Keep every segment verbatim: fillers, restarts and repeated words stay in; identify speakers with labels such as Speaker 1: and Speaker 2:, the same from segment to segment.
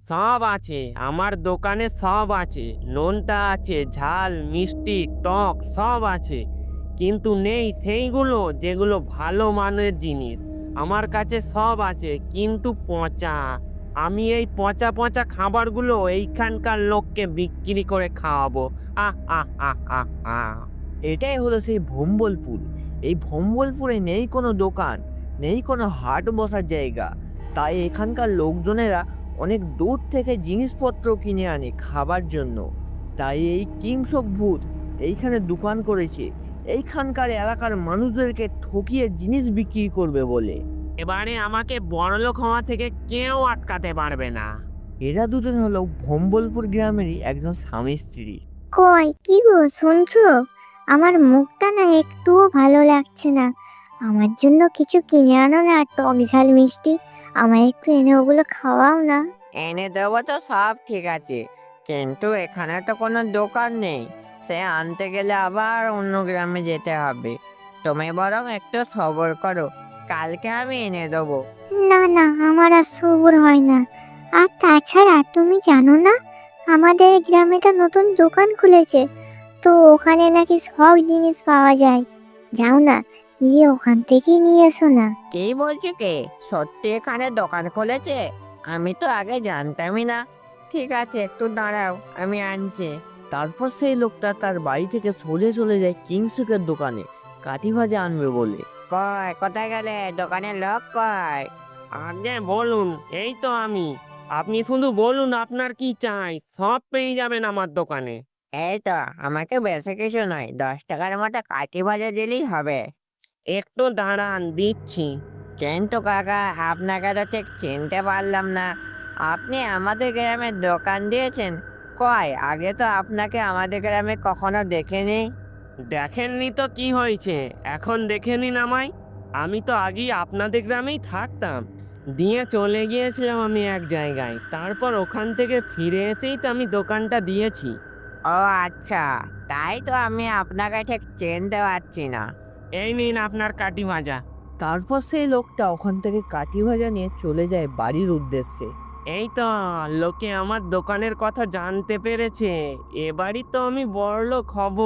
Speaker 1: সব আছে, আমার দোকানে সব আছে। নোনতা আছে, ঝাল, মিষ্টি, টক সব আছে। কিন্তু নেই সেইগুলো যেগুলো ভালো মানের জিনিস। আমার কাছে সব আছে কিন্তু পচা। আমি এই পচা পচা খাবারগুলো এইখানকার লোককে বিক্রি করে খাওয়াবো। আহ আহ আহ আহ আহ
Speaker 2: এটাই হলো সেই ভম্বলপুর। এই ভম্বলপুরে নেই কোনো দোকান, নেই কোনো হাট বসার জায়গা। তাই এখানকার লোকজনেরা অনেক দূর থেকে জিনিসপত্র কিনে আনে খাবার জন্য। তাই এই কিংসক ভূত এইখানে দোকান করেছে, এইখানকার এলাকার মানুষদেরকে ঠকিয়ে জিনিস বিক্রি করবে বলে।
Speaker 1: এবারে আমাকে বড়লোক হওয়া থেকে কেউ আটকাতে পারবে না।
Speaker 2: এরা দুজন হলো ভম্বলপুর গ্রামেরই একজন স্বামী স্ত্রী।
Speaker 3: কই কি গো শুনছো? আমার মুখটা না একটুও ভালো লাগছে না। আমার জন্য কিছু কিনে আনো না, টক ঝাল মিষ্টি। আমায় একটু এনে ওগুলো খাওয়াও না।
Speaker 2: এনে দেবো তো সব ঠিক আছে, কিন্তু এখানে তো কোনো দোকান নেই। সে আনতে গেলে আবার অন্য গ্রামে যেতে হবে। তুমি বরং একটু সবর করো, কালকে আমি এনে দেবো।
Speaker 3: না না, আমার আর সবুর হয় না। আর তাছাড়া তুমি জানো না, আমাদের গ্রামে তো নতুন দোকান খুলেছে। তো ওখানে নাকি সব জিনিস পাওয়া যায়। যাও না, গিয়ে ওখান থেকেই নিয়ে এসো না।
Speaker 2: কি বলছো কে? সত্যি এখানে দোকান খুলেছে? আমি তো আগে জানতামই না। ঠিক আছে, একটু দাঁড়াও, আমি আনছি। তারপর সেই লোকটা তার বাড়ি থেকে সোজা চলে যায় কিংসুকের দোকানে কাঠি ভাজা আনবে বলে। কয় কোথায় গেলে? দোকানের লোক কয়?
Speaker 1: আগে বলুন, এই তো আমি। আপনি শুধু বলুন আপনার কি চাই, সব পেয়ে যাবেন আমার দোকানে।
Speaker 2: এই তো, আমাকে বেশি কিছু নয়, দশ টাকার মতো কাঠি ভাজা দিলেই হবে।
Speaker 1: একটু দাঁড়ান, দিচ্ছি।
Speaker 2: কিন্তু কাকা, আপনাকে তো ঠিক চিনতে পারলাম না। আপনি আমাদের গ্রামে দোকান দিয়েছেন? কয়, আগে তো আপনাকে আমাদের গ্রামে কখনো দেখিনি।
Speaker 1: দেখেননি তো কি হয়েছে, এখন দেখে নিন আমায়। আমি তো আগেই আপনাদের গ্রামেই থাকতাম। দিয়ে চলে গিয়েছিলাম আমি এক জায়গায়, তারপর ওখান থেকে ফিরে এসেই তো আমি দোকানটা দিয়েছি।
Speaker 2: ও আচ্ছা, তাই তো আমি আপনাকে ঠিক চিনতে পারছি না।
Speaker 1: এই নিন আপনার কাটি ভাজা।
Speaker 2: তারপর সেই লোকটা ওখান থেকে কাঠি ভাজা নিয়ে চলে যায় বাড়ির উদ্দেশ্যে।
Speaker 1: এই তো, লোকে আমার দোকানের কথা জানতে পেরেছে। এবারই তো আমি বড়লোক হব।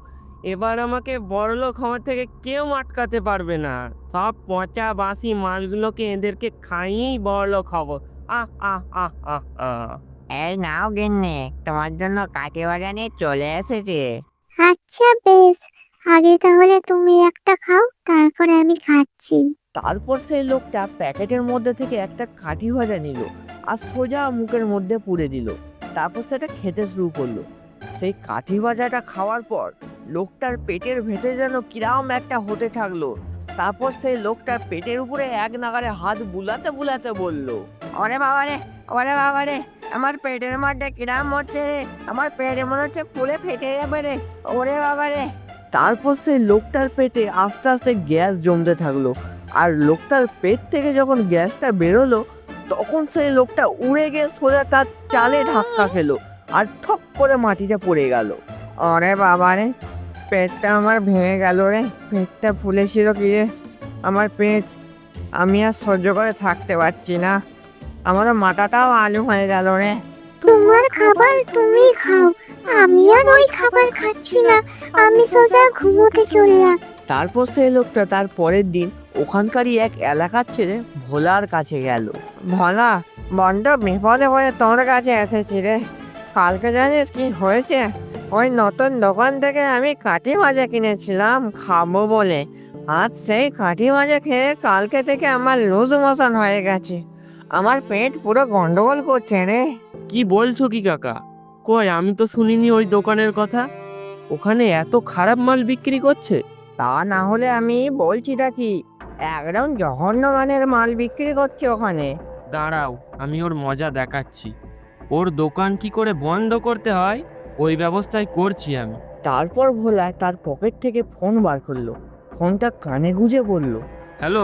Speaker 1: এবার আমাকে বড়লোক হওয়া থেকে কেউ আটকাতে পারবে না। সব পচা বাসি মালগুলোকে এদেরকে খাইয়েই বড়লোক হব। আহ আহ আহ আহ আহ
Speaker 2: এই নাও গিন্নি, তোমার জন্য কাঠি ভাজা নিয়ে চলে এসেছি।
Speaker 3: আচ্ছা বেশ, আগে তাহলে তুমি একটা খাও, তারপরে আমি খাচ্ছি।
Speaker 2: তারপর সেই লোকটা প্যাকেটের মধ্যে থেকে একটা কাঠি ভাজা নিল আর সোজা মুখের মধ্যে পুরে দিল। তারপর সেটা খেতে শুরু করলো। সেই কাঠি ভাজাটা খাওয়ার পর লোকটার পেটের ভেতরে যেন কিরাম একটা হতে থাকলো। তারপর সেই লোকটার পেটের উপরে এক নাগারে হাত বুলাতে বুলাতে বলল, ওরে বাবা রে, ওরে বাবা রে, আমার পেটের মধ্যে কিরাম হচ্ছে রে, আমার পেটে মনে হচ্ছে ফুলে ফেটে যাবে রে, ওরে বাবা রে। তারপর সেই লোকটার পেটে আস্তে আস্তে গ্যাস জমতে থাকলো। আর লোকটার পেট থেকে যখন গ্যাসটা বেরোলো, তখন সেই লোকটা উড়ে গিয়ে সোজা তার চালে ধাক্কা খেলো আর ঠক করে মাটিতে পড়ে গেল। আরে বাবা রে, পেটটা আমার ভেঙে গেল রে, পেটটা ফুলেছিল কি রে, আমার পেট, আমি আর সহ্য করে থাকতে পারছি না, আমার মাথাটাও আলু হয়ে গেল রে।
Speaker 3: তোমার খাবার তুমি খাও, আমি আর ওই খাবার খাচ্ছি না। আমি সোজা ঘুমোতে চললাম।
Speaker 2: তারপর সেই লোকটা তার পরের দিন ওখানকারই এক এলাকার ছেলে ভোলার কাছে গেল। ভোলা, বড্ড বিপদে পড়ে তোর কাছে এসেছি রে। কালকে জানিস কি হয়েছে? ওই নতুন দোকান থেকে আমি কাঠি ভাজা কিনেছিলাম খাবো বলে। আজ সেই কাঠি ভাজা খেয়ে কালকে থেকে আমার লুজ মোশন হয়ে গেছে। আমার পেট পুরো গন্ডগোল করছে রে।
Speaker 1: কি বলছো কি কাকা? কই, আমি তো শুনিনি ওই দোকানের কথা। ওখানে এত খারাপ মাল বিক্রি করছে?
Speaker 2: তা না হলে আমি বলছিটা কি, একদম জঘন্য মানের মাল বিক্রি করছে ওখানে।
Speaker 1: দাঁড়াও, আমি ওর মজা দেখাচ্ছি। ওর দোকান কি করে বন্ধ করতে হয় ওই ব্যবস্থাই করছি আমি।
Speaker 2: তারপর ভোলা তার পকেট থেকে ফোন বার করলো, ফোনটা কানে গুজে বলল,
Speaker 1: হ্যালো,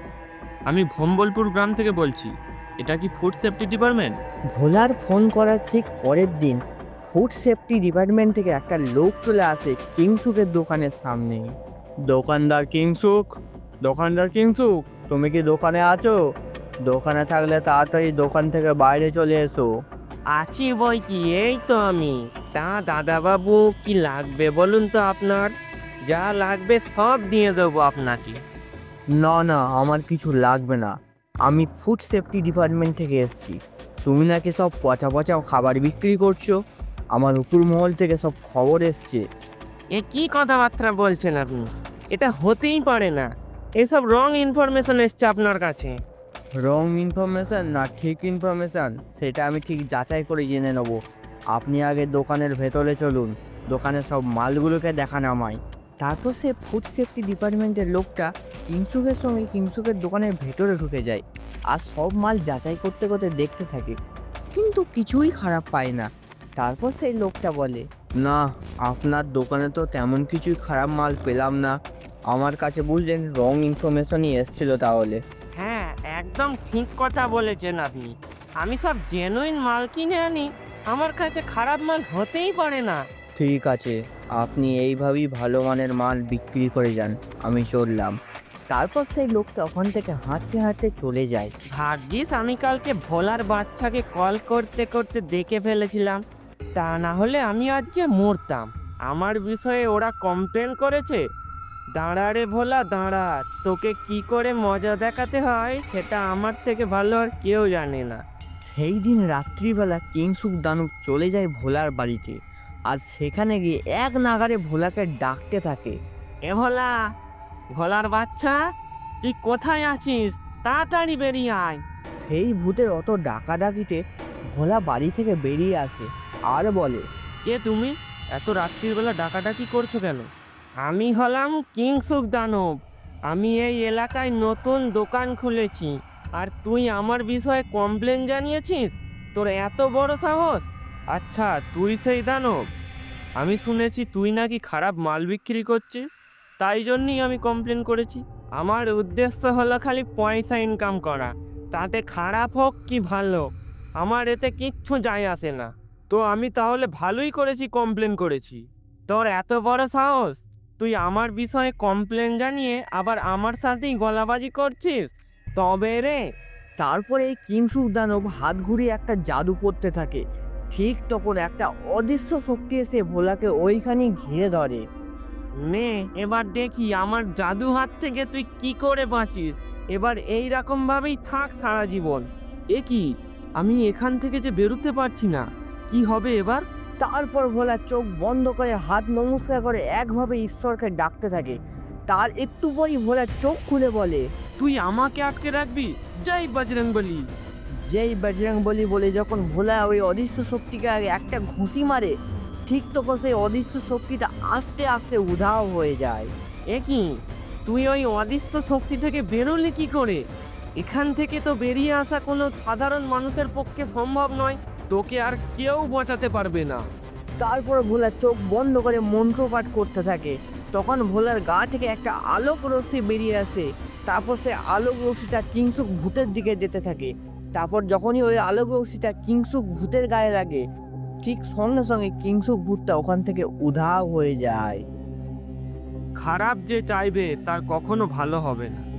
Speaker 1: আমি ভম্বলপুর গ্রাম থেকে বলছি। এটা কি ফুড সেফটি ডিপার্টমেন্ট?
Speaker 2: ভোলার ফোন করার ঠিক পরের দিন ফুড সেফটি ডিপার্টমেন্ট থেকে একটা লোক চলে আসে কিংসুকের দোকানের সামনে। দোকানদার কিংসুক, দোকানদার কিংসুক, তুমি কি দোকানে আছো? দোকানে থাকলে তাড়াতাড়ি দোকান থেকে বাইরে চলে এসো।
Speaker 1: আছি বই কি, এই তো আমি। তা দাদাবাবু, কি লাগবে বলুন তো আপনার? যা লাগবে সব দিয়ে দেবো আপনাকে।
Speaker 2: না না, আমার কিছু লাগবে না। আমি ফুড সেফটি ডিপার্টমেন্ট থেকে এসেছি। তুমি নাকি সব পচা পচা খাবার বিক্রি করছো। আমার উপর মহল থেকে সব খবর এসছে।
Speaker 1: এ কি কথাবার্তা বলছেন আপনি? এটা হতেই পারে না। এসব রং ইনফরমেশন এসছে আপনার কাছে।
Speaker 2: রং ইনফরমেশন না ঠিক ইনফরমেশন সেটা আমি ঠিক যাচাই করে জেনে নেব। আপনি আগে দোকানের ভেতরে চলুন, দোকানের সব মালগুলোকে দেখান আমায়। তারপর সে ফুড সেফটি ডিপার্টমেন্টের লোকটা কিংসুকের সঙ্গে কিংসুকের দোকানের ভেতরে ঢুকে যায় আর সব মাল যাচাই করতে করতে দেখতে থাকে, কিন্তু কিছুই খারাপ পায় না। তারপর সেই লোকটা বলে, না, আপনার দোকানে তো তেমন কিছুই খারাপ মাল পেলাম না। আমার কাছে বুঝলেন রং ইনফরমেশনই এসেছিল তাহলে।
Speaker 1: হ্যাঁ, একদম ঠিক কথা বলেছেন আপনি। আমি সব জেনুইন মাল কিনে আনি, আমার কাছে খারাপ মাল হতেই পারে না।
Speaker 2: ঠিক আছে, আপনি এইভাবেই ভালো মানের মাল বিক্রি করে যান, আমি চললাম। তারপর সেই লোকটা ওখান থেকে হাঁটতে হাঁটতে চলে যায়।
Speaker 1: ভাগ্যিস আমি কালকে ভোলার বাচ্চাকে কল করতে করতে দেখে ফেলেছিলাম, তা না হলে আমি আজকে মরতাম। আমার বিষয়ে ওরা কমপ্লেন করেছে। দাঁড়া রে ভোলা দাঁড়া, তোকে কি করে মজা দেখাতে হয় সেটা আমার থেকে ভালো আর কেউ জানে না।
Speaker 2: সেই দিন রাত্রিবেলা কিংসুক দানব চলে যায় ভোলার বাড়িতে, আর সেখানে গিয়ে এক নাগারে ভোলাকে ডাকতে থাকে।
Speaker 1: এ ভোলা, ভোলার বাচ্চা, তুই কোথায় আছিস? তাড়াতাড়ি বেরিয়ে আয়।
Speaker 2: সেই ভূতের অত ডাকাডাকিতে ভোলা বাড়ি থেকে বেরিয়ে আসে আর বলে,
Speaker 1: কে তুমি? এত রাত্রির বেলা ডাকাডাকি করছো কেন? আমি হলাম কিংসুক দানব। আমি এই এলাকায় নতুন দোকান খুলেছি, আর তুই আমার বিষয়ে কমপ্লেন জানিয়েছিস? তোর এত বড় সাহস! আচ্ছা, তুই সেই দানব? আমি শুনেছি তুই নাকি খারাপ মাল বিক্রি করছিস, তাই জন্যই আমি কমপ্লেন করেছি। আমার উদ্দেশ্য হলো খালি পয়সা ইনকাম করা, তাতে খারাপ হোক কি ভালো আমার এতে কিচ্ছু যায় আসে না। তো আমি তাহলে ভালোই করেছি কমপ্লেন করেছি। তোর এত বড় সাহস, তুই আমার বিষয়ে কমপ্লেন জানিয়ে আবার আমার সাথেই গলাবাজি করছিস? তবে রে।
Speaker 2: তারপরে এই কিংসুক দানব হাত ঘুরিয়ে একটা জাদু করতে থাকে। ঠিক তখন একটা অদৃশ্য শক্তি এসে ভোলাকে ওইখানে ঘিরে ধরে।
Speaker 1: নে, এবার দেখি আমার জাদু হাত থেকে তুই কি করে বাঁচিস। এবার এই রকম ভাবেই থাক সারা জীবন। এ কি, আমি এখান থেকে যে বেরোতে পারছি না, কি হবে এবার?
Speaker 2: তারপর ভোলা চোখ বন্ধ করে হাত নমস্কার করে একভাবে ঈশ্বরকে ডাকতে থাকে। তার একটু পরই ভোলা চোখ খুলে বলে,
Speaker 1: তুই আমাকে আটকে রাখবি? জয় বজরংবলী।
Speaker 2: যেই বজরং বলি বলে যখন ভোলা ওই অদৃশ্য শক্তিকে আগে একটা ঘুষি মারে, ঠিক তখন সেই অদৃশ্য শক্তিটা আস্তে আস্তে উধাও হয়ে যায়।
Speaker 1: এ কি, তুই ওই অদৃশ্য শক্তি থেকে বেরোলি কি করে? এখান থেকে তো বেরিয়ে আসা কোনো সাধারণ মানুষের পক্ষে সম্ভব নয়। তোকে আর কেউ বাঁচাতে পারবে না।
Speaker 2: তারপর ভোলা চোখ বন্ধ করে মন্ত্রপাঠ করতে থাকে। তখন ভোলার গা থেকে একটা আলোক রশ্মি বেরিয়ে আসে। তারপর সে আলোক রশ্মিটা কিংসুক ভূতের দিকে যেতে থাকে। তারপর যখনই ওই আলোক রশ্মিটা কিংসুক ভূতের গায়ে লাগে, ঠিক সঙ্গে সঙ্গে কিংসুক ভূতটা ওখান থেকে উধাও হয়ে যায়।
Speaker 1: খারাপ যে চাইবে তার কখনো ভালো হবে না।